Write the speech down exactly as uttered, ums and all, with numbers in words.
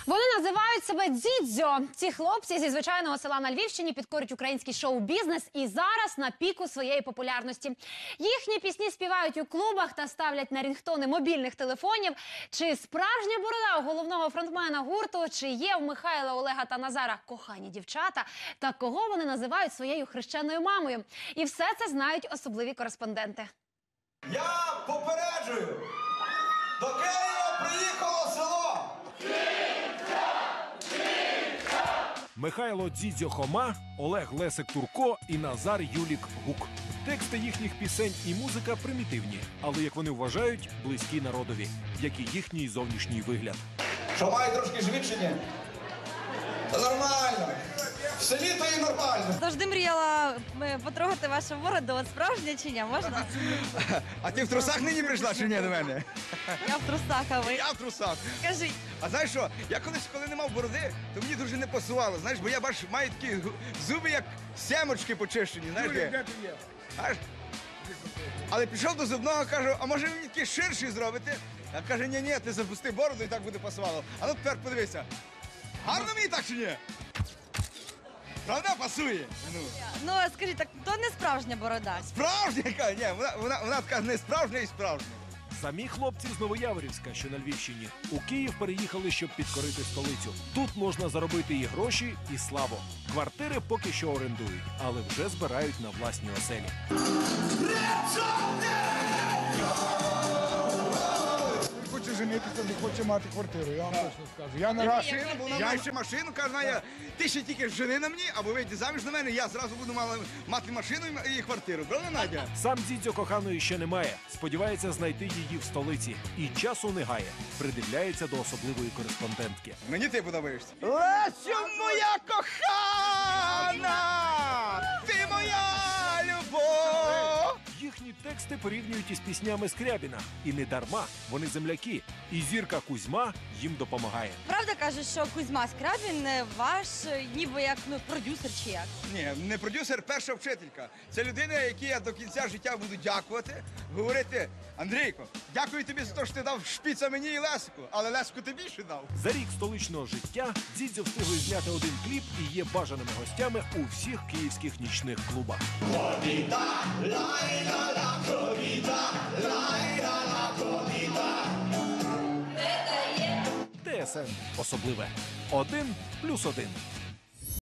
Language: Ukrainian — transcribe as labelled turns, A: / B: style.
A: Вони називають себе «Дзідзьо». Ці хлопці зі звичайного села на Львівщині підкорюють український шоу-бізнес і зараз на піку своєї популярності. Їхні пісні співають у клубах та ставлять на рінгтони мобільних телефонів. Чи справжня борода у головного фронтмена гурту, чи є в Михайла, Олега та Назара кохані дівчата, та кого вони називають своєю хрещеною мамою. І все це знають особливі кореспонденти.
B: Я попереджую, до Києва приїхало село.
C: Михайло Дзідзьо Хома, Олег Лесик Турко і Назар Юлік Гук. Тексти їхніх пісень і музика примітивні, але, як вони вважають, близькі народові, як і їхній зовнішній вигляд.
B: Що, має трошки живіт чи ні? Та нормально. В селі то і нормально.
D: Завжди мріяла е, потрогати вашу бороду. От справжня чи ні? Можна?
E: А ти в трусах нині прийшла чи ні до мене?
D: Я в трусах, а ви?
E: Я в трусах.
D: Скажіть.
E: А знаєш що, я колись, коли не мав бороди, то мені дуже не пасувало, знаєш, бо я, бачу, маю такі гу- зуби, як семочки почищені, знаєш, де? Аж. Але пішов до зубного, кажу, а може ви мені такі ширші зробите? А каже, ні-ні, ти запусти бороду і так буде пасувало. А ну тепер подивися. Гарно мені так чи ні? Правда пасує? Ну.
D: Ну, а скажіть, так то не справжня борода.
E: Справжня яка? Ні, вона, вона, вона така не справжня і справжня.
C: Самі хлопці з Новояворівська, що на Львівщині, у Київ переїхали, щоб підкорити столицю. Тут можна заробити і гроші, і славу. Квартири поки що орендують, але вже збирають на власні оселі.
F: Хоче женитися, не хоче мати квартиру, я вам точно скажу. Я на раз...
E: Машину, бо вона має ще машину, каже, Надя, ти ще тільки жени на мені, або вийди заміж на мене, я зразу буду мала, мати машину і, і квартиру. Правда, Надя?
C: Сам Дзідзьо коханої ще немає. Сподівається знайти її в столиці. І часу не гає. Придивляється до особливої кореспондентки.
E: Мені ти подобаєшся. Лесю, моя кохана! Ти моя любов!
C: Їхні тексти порівнюють із піснями Скрябіна. І не дарма. Вони земляки. І зірка Кузьма їм допомагає.
D: Правда кажуть, що Кузьма Скрябін е, ваш е, ніби як ну, продюсер чи як?
E: Ні, не продюсер, перша вчителька. Це людина, якій я до кінця життя буду дякувати, говорити, Андрійко, дякую тобі за те, що ти дав шпіца мені і Лесику, але Лесику ти більше дав.
C: За рік столичного життя Дзідзьо встигли зняти один кліп і є бажаними гостями у всіх київських нічних клубах. ТСН особливе. Один плюс один.